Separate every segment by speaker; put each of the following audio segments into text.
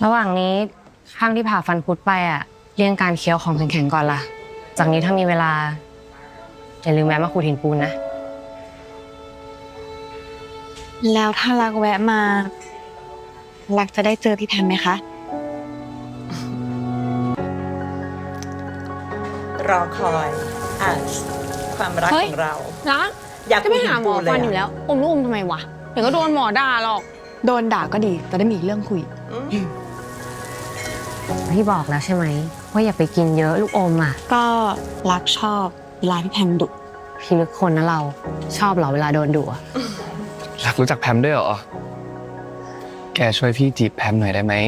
Speaker 1: ระหว่างนี้ข้างที่ผ่าฟันคุดไปเลี่ยงการเคี้ยวของแข็งๆก่อนล่ะจากนี้ถ้ามีเวลาอย่าลืมแวะมาขูดหินปูนนะ
Speaker 2: แล้วถ้ารักแวะมารักจะได้เจอพี่แพมไหมคะ
Speaker 3: รอคอยความรักของเรา
Speaker 4: รัก
Speaker 3: อยาก
Speaker 4: จะไปหาหมอฟันอยู่แล้วอมลูกอมทำไมวะเดี๋ยวก็โดนหมอด่าหรอก
Speaker 2: โดนด่าก็ดีจะได้มีเรื่องคุย
Speaker 1: พี่บอกแล้วใช่ไหมว่าอย่าไปกินเยอะลูกอม
Speaker 2: ก็รักชอบเวลาพี่แพมดุ
Speaker 1: พี่ลึกคนนะเราชอบเหรอเวลาโดนดุ
Speaker 5: รักรู้จักแพมด้วยเหรอแกช่วยพี่จีบแพมหน่อยได้ไหม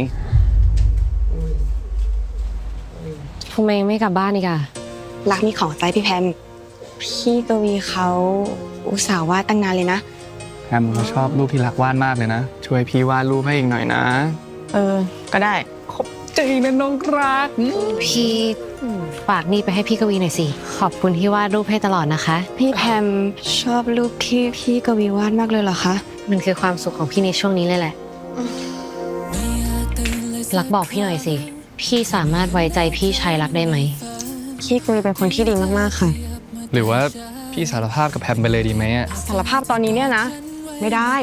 Speaker 1: ทำไมไม่กลับบ้านอีก
Speaker 2: รักมีของใจพี่แพมพี่กวีเขาอุตส่าห์วาดตั้งนานเลยนะ
Speaker 5: แพมเขาชอบรูปที่รักวาดมากเลยนะช่วยพี่วาดรูปให้อีกหน่อยนะ
Speaker 2: ก็ได้
Speaker 5: ขอบใจนะน้องรัก
Speaker 1: พี่ฝากนี่ไปให้พี่กวีหน่อยสิขอบคุณที่วาดรูปให้ตลอดนะคะ
Speaker 2: พี่แพมชอบรูปที่พี่กวีวาดมากเลยเหรอคะ
Speaker 1: มันคือความสุขของพี่ในช่วงนี้เลยแหละรักบอกพี่หน่อยสิพี่สามารถไว้ใจพี่ชายรักได้ไหม
Speaker 2: พี่กวีเป็นคนที่ดีมากๆค่ะ
Speaker 5: หรือว่าพี่สารภาพกับแพมไปเลยดีไหม
Speaker 2: สารภาพตอนนี้เนี่ยนะไม่ได้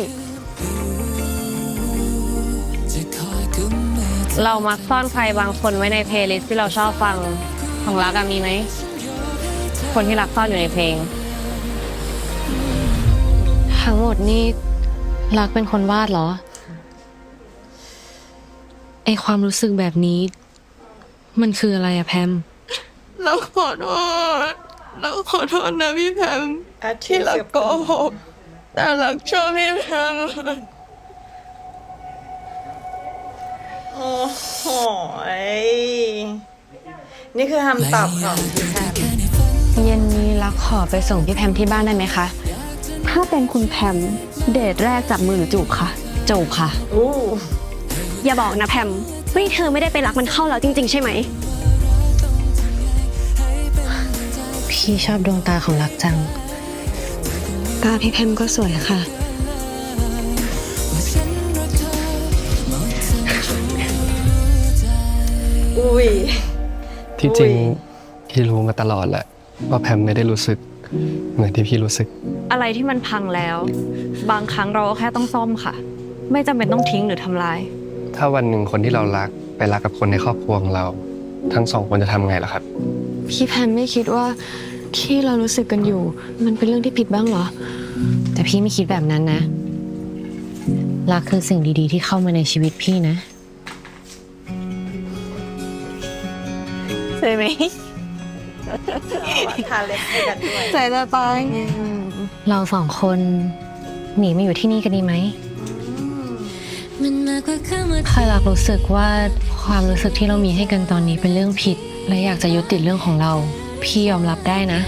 Speaker 1: เรามักซ่อนใครบางคนไว้ในเพลย์ลิสต์ที่เราชอบฟังของรักมีไหมคนที่รักซ่อนอยู่ในเพลงทั้งหมดนี่รักเป็นคนวาดเหรอไอความรู้สึกแบบนี้มันคืออะไรแพม
Speaker 4: เราขอโทษนะพี่แพมที่รักโกหกแต่รักชอบพี่แพม
Speaker 3: โอ้โหนี่คือคำตอบของพี่แพม
Speaker 2: เย็นนี้รักขอไปส่งพี่แพมที่บ้านได้ไหมคะถ้าเป็นคุณแพมเดทแรกจับมือหรือจูบค่ะจูบค่ะ
Speaker 4: อย่าบอกนะแพมว่าเธอไม่ได้ไปรักมันเข้าแล้วจริงๆใช่ไหม
Speaker 1: พี่ชอบดวงตาของรักจัง
Speaker 2: ตาพี่แพมก็สวยค่ะ
Speaker 5: ที่จริงพี่รู้มาตลอดแหละว่าแพมไม่ได้รู้สึกเหมือนที่พี่รู้สึก
Speaker 4: อะไรที่มันพังแล้วบางครั้งเราก็แค่ต้องซ่อมค่ะไม่จำเป็นต้องทิ้งหรือทำลาย
Speaker 5: ถ้าวันหนึ่งคนที่เรารักไปรักกับคนในครอบครัวของเราทั้งสองคนจะทำไงล่ะครับ
Speaker 2: พี่แพมไม่คิดว่าที่เรารู้สึกกันอยู่มันเป็นเรื่องที่ผิดบ้างเหรอ
Speaker 1: แต่พี่ไม่คิดแบบนั้นนะรักคือสิ่งดีๆที่เข้ามาในชีวิตพี่นะ
Speaker 4: ใช่ไหม
Speaker 3: ทานเล็กให้กันด้วย
Speaker 2: ใจจะตาย
Speaker 1: เราสองคนหนีมาอยู่ที่นี่กันดีไหมใครรักรู้สึกว่าความรู้สึกที่เรามีให้กันตอนนี้เป็นเรื่องผิดและอยากจะยุติเรื่องของเราพี่ยอมรับได้นะ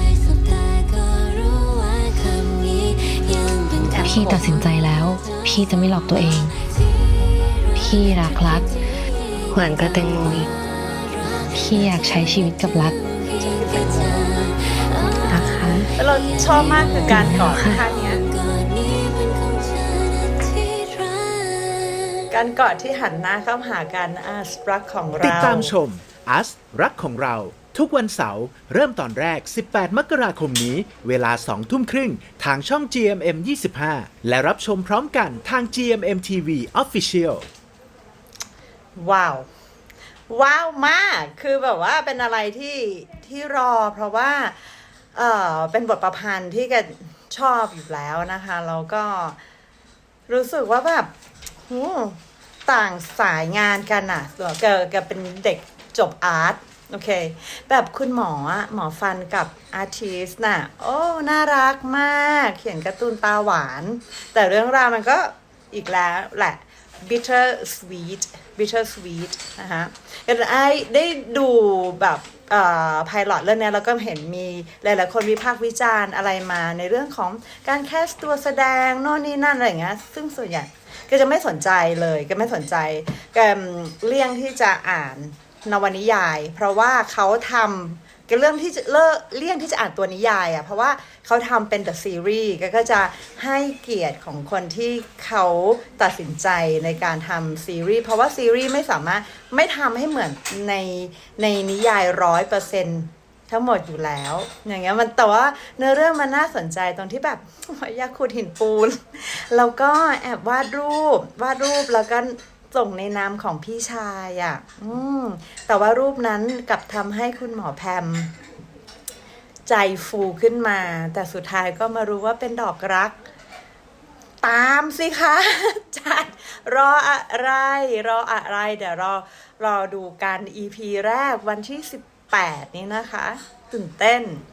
Speaker 1: พี่ตัดสินใจแล้วพี่จะไม่หลอกตัวเองพี่รักเหมือนกระเตงมุยพี่อยากใช้ชีวิตกับรักนะคะ
Speaker 3: แล้วเราชอบมากคือการกอดท่านี้การกอดที่หันหน้าเข้าหากันรักของเรา
Speaker 6: ติดตามชมรักของเราทุกวันเสาร์เริ่มตอนแรก18 มกราคมนี้เวลา 20:30 ทางช่อง GMM 25และรับชมพร้อมกันทาง GMM TV Official
Speaker 3: ว้าวมากคือแบบว่าเป็นอะไรที่รอเพราะว่าเป็นบทประพันธ์ที่แกชอบอยู่แล้วนะคะแล้วก็รู้สึกว่าแบบต่างสายงานกันแกเป็นเด็กจบอาร์ตโอเคแบบคุณหมอฟันกับอาร์ติสต์น่ะโอ้น่ารักมากเขียนการ์ตูนตาหวานแต่เรื่องราวมันก็อีกแล้วแหละ bitter sweet นะคะได้ดูแบบไพลอตเรื่องนี้แล้วก็เห็นมีหลายๆคนวิพากษ์วิจารณ์อะไรมาในเรื่องของการแคสตัวแสดงโน่นนี่นั่นอะไรอย่างเงี้ยซึ่งส่วนใหญ่ก็จะไม่สนใจเลยก็ไม่สนใจก็เลี่ยงที่จะอ่านนวนิยายเพราะว่าเขาทำก็เลี่ยงที่จะอ่านตัวนิยายอ่ะเพราะว่าเขาทำเป็น The Series ก็จะให้เกียรติของคนที่เขาตัดสินใจในการทำซีรีส์เพราะว่าซีรีส์ไม่สามารถไม่ทำให้เหมือนในนิยาย 100%ทั้งหมดอยู่แล้วอย่างเงี้ยมันแต่ว่าเนื้อเรื่องมันน่าสนใจตรงที่แบบอยากขุดหินปูนแล้วก็แอบวาดรูปแล้วก็ส่งในนามของพี่ชายอ่ะแต่ว่ารูปนั้นกลับทำให้คุณหมอแพมใจฟูขึ้นมาแต่สุดท้ายก็มารู้ว่าเป็นดอกรักตามสิคะจัดรออะไรเดี๋ยวรอดูกัน EP แรกวันที่18นี้นะคะตื่นเต้น